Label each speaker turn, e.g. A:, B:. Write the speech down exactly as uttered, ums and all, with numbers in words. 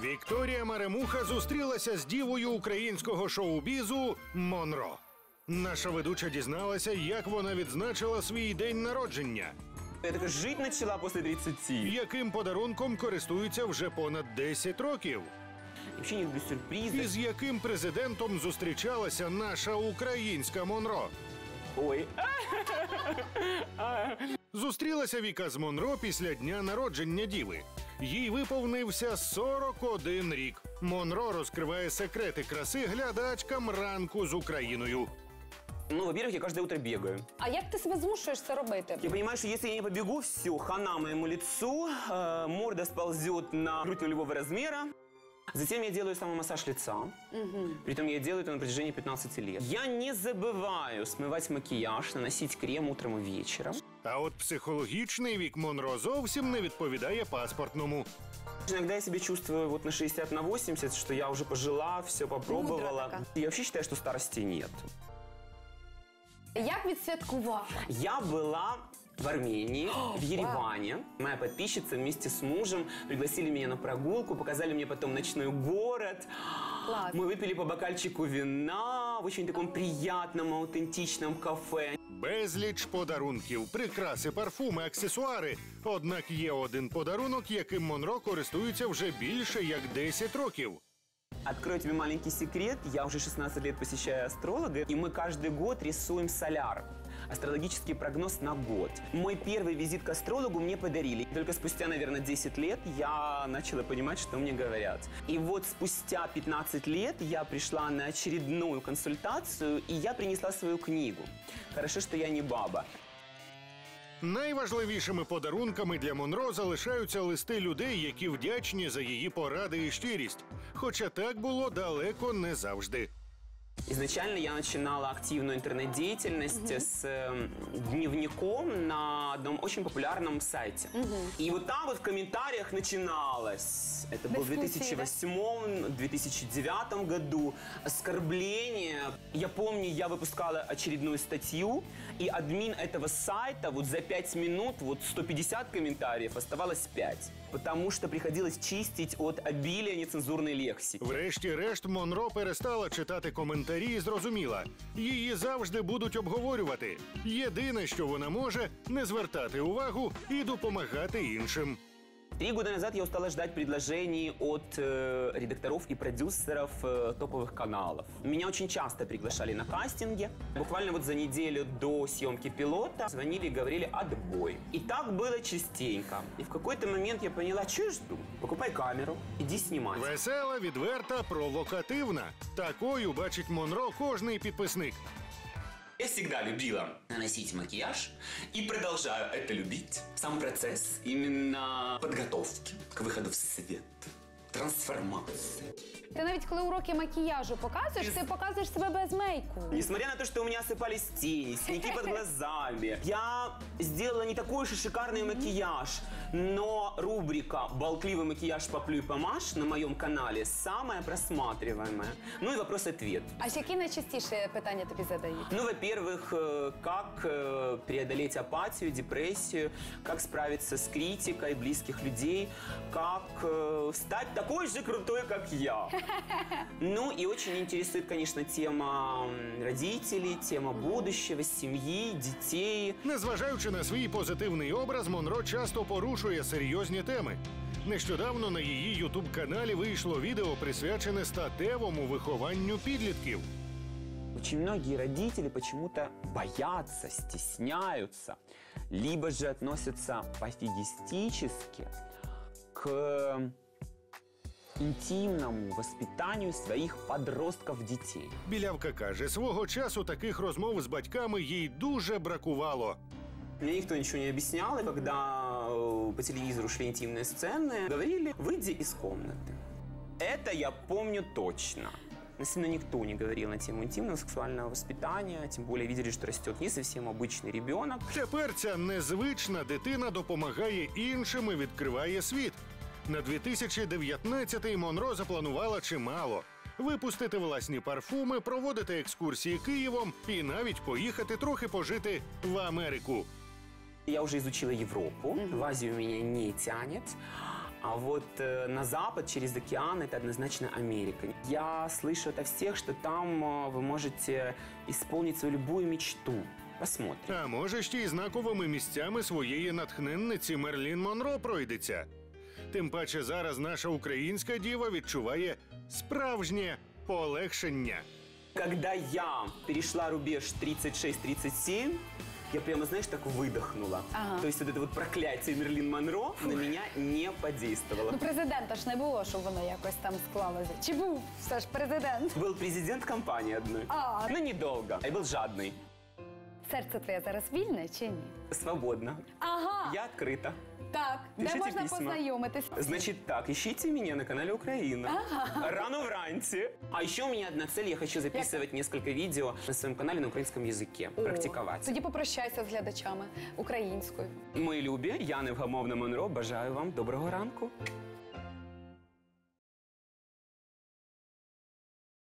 A: Вікторія Маремуха зустрілася з дівою українського шоу-бізу Монро. Наша ведуча дізналася, як вона відзначила свій день народження.
B: Я така жити почала після тридцяти.
A: Яким подарунком користується вже понад десять років.
B: Взагалі не люблю сюрпризи.
A: І з яким президентом зустрічалася наша українська Монро.
B: Ой.
A: Зустрілася Віка з Монро після дня народження діви. Їй виповнився сорок один рік. Монро розкриває секрети краси глядачкам ранку з Україною.
B: Ну, во-первых, я каждое утро бегаю.
C: А як ти себе змушуєш це робити?
B: Я понимаю, что если я не побегу, все, хана моему лицу, э, морда сползет на грудь нулевого размера. Затем я делаю самомассаж лица. Угу. Притом я делаю это на протяжении пятнадцати лет. Я не забываю смывать макияж, наносить крем утром и вечером.
A: А от психологічний вік Монро зовсім не відповідає паспортному.
B: Иногда я себя чувствую вот на шестьдесят на восемьдесят, что я уже пожила, все попробовала. Я вообще считаю, что старости нет.
C: Як відсвяткувала?
B: Я была в Армении, в Ереване. Моя подписчица вместе с мужем пригласили меня на прогулку, показали мне потом ночной город.
C: Класс.
B: Мы выпили по бокальчику вина в очень таком приятном, аутентичном кафе.
A: Безліч подарунків, прикраси, парфуми, аксесуари. Однак є один подарунок, яким Монро користується вже більше як десять років.
B: Открою тебе маленький секрет. Я уже шестнадцать лет посещаю астролога, и мы каждый год рисуем соляр. Астрологический прогноз на год. Мой первый визит к астрологу мне подарили. Только спустя, наверное, десять лет я начала понимать, что мне говорят. И вот спустя пятнадцать лет я пришла на очередную консультацию, и я принесла свою книгу. Хорошо, что я не баба.
A: Найважливішими подарунками для Монро залишаються листи людей, які вдячні за її поради і щирість. Хоча так було далеко не завжди.
B: Изначально я начинала активную интернет-деятельность угу. с э, дневником на одном очень популярном сайте. Угу. И вот там вот в комментариях начиналось. Это был в две тысячи восьмом — две тысячи девятом году. Оскорбление. Я помню, я выпускала очередную статью, и админ этого сайта вот за пять минут, вот сто пятьдесят комментариев, оставалось пять. Потому что приходилось чистить от обилия нецензурной лексики.
A: Врешті-решт Монро перестала читати коментарі і зрозуміла, її завжди будуть обговорювати. Єдине, що вона може – не звертати увагу і допомагати іншим.
B: Три года назад я устала ждать предложений от э, редакторов и продюсеров э, топовых каналов. Меня очень часто приглашали на кастинги. Буквально вот за неделю до съемки пилота звонили и говорили «отбой». И так было частенько. И в какой-то момент я поняла, что я жду. Покупай камеру, иди снимать.
A: Весела, відверта, провокативна. Такою бачить Монро кожний підписник.
B: Я всегда любила наносить макияж и продолжаю это любить. Сам процесс именно подготовки к выходу в свет, трансформации.
C: Ти навіть коли уроки макіяжу показуєш, ти показуєш себе без мейку.
B: Несмотря на то, что у меня осыпались тени, синяки под глазами, я сделала не такой уж и шикарный макияж, но рубрика «Болтливый макияж поплюй помажь» на моем канале самая просматриваемая. Ну и вопрос-ответ.
C: А які найчастіше питання тобі задають?
B: Ну, во-первых, как преодолеть апатию, депрессию, как справиться с критикой близких людей, как стать такой же крутой, как я. Ну и очень интересует, конечно, тема родителей, тема будущего, семьи, детей.
A: Незважаючи на свій позитивний образ, Монро часто порушує серйозні теми. Нещодавно на її ютуб-каналі вийшло відео, присвячене статевому вихованню підлітків.
B: Очень многие родители почему-то боятся, стесняются, либо же относятся пофигистически к інтимному воспитанню своїх подростків-дітей.
A: Білявка каже, свого часу таких розмов з батьками їй дуже бракувало.
B: Мне никто ничего не объяснял, и когда по телевизору шли интимные сцены, говорили «выйди из комнаты». Это я помню точно. Наверное, никто не говорил на тему интимного сексуального воспитания, тем более видели, что растет не совсем обычный ребенок.
A: Тепер ця незвична дитина допомагає іншим і відкриває світ. На дві тисячі дев'ятнадцятий Монро запланувала чимало. Випустити власні парфуми, проводити екскурсії Києвом і навіть поїхати трохи пожити в Америку.
B: Я уже изучила Европу, в Азию меня не тянет. А вот э, на запад, через океан, это однозначно Америка. Я слышу от всех, что там э, вы можете исполнить свою любую мечту. Посмотрим.
A: А може, ще й знаковими місцями своєї натхненниці Мерлін Монро пройдеться. Тим паче зараз наша українська діва відчуває справжнє полегшення.
B: Когда я перешла рубеж тридцать шесть тридцать семь, я прямо, знаешь, так выдохнула.
C: Ага.
B: То есть вот это вот проклятие Мерлин Монро на меня не подействовало.
C: Ну, президента ж не було, щоб воно якось там склалося. Чи був все ж президент?
B: Был президент компании одной.
C: А.
B: Но недолго. Я был жадный.
C: Серце твоє зараз вільне чи ні?
B: Свободно.
C: Ага,
B: Я открыта.
C: так. Де
B: Пишіть
C: можна
B: письма.
C: познайомитись?
B: Значит так, ищите меня на канале Украина. Рано вранці. А еще у меня одна цель. Я хочу записывать несколько видео на своем канале на украинском языке.
C: О,
B: Практиковать.
C: Тоді попрощайся з глядачами українською.
B: Мої любі, я Невгамовна Монро. Бажаю вам доброго ранку.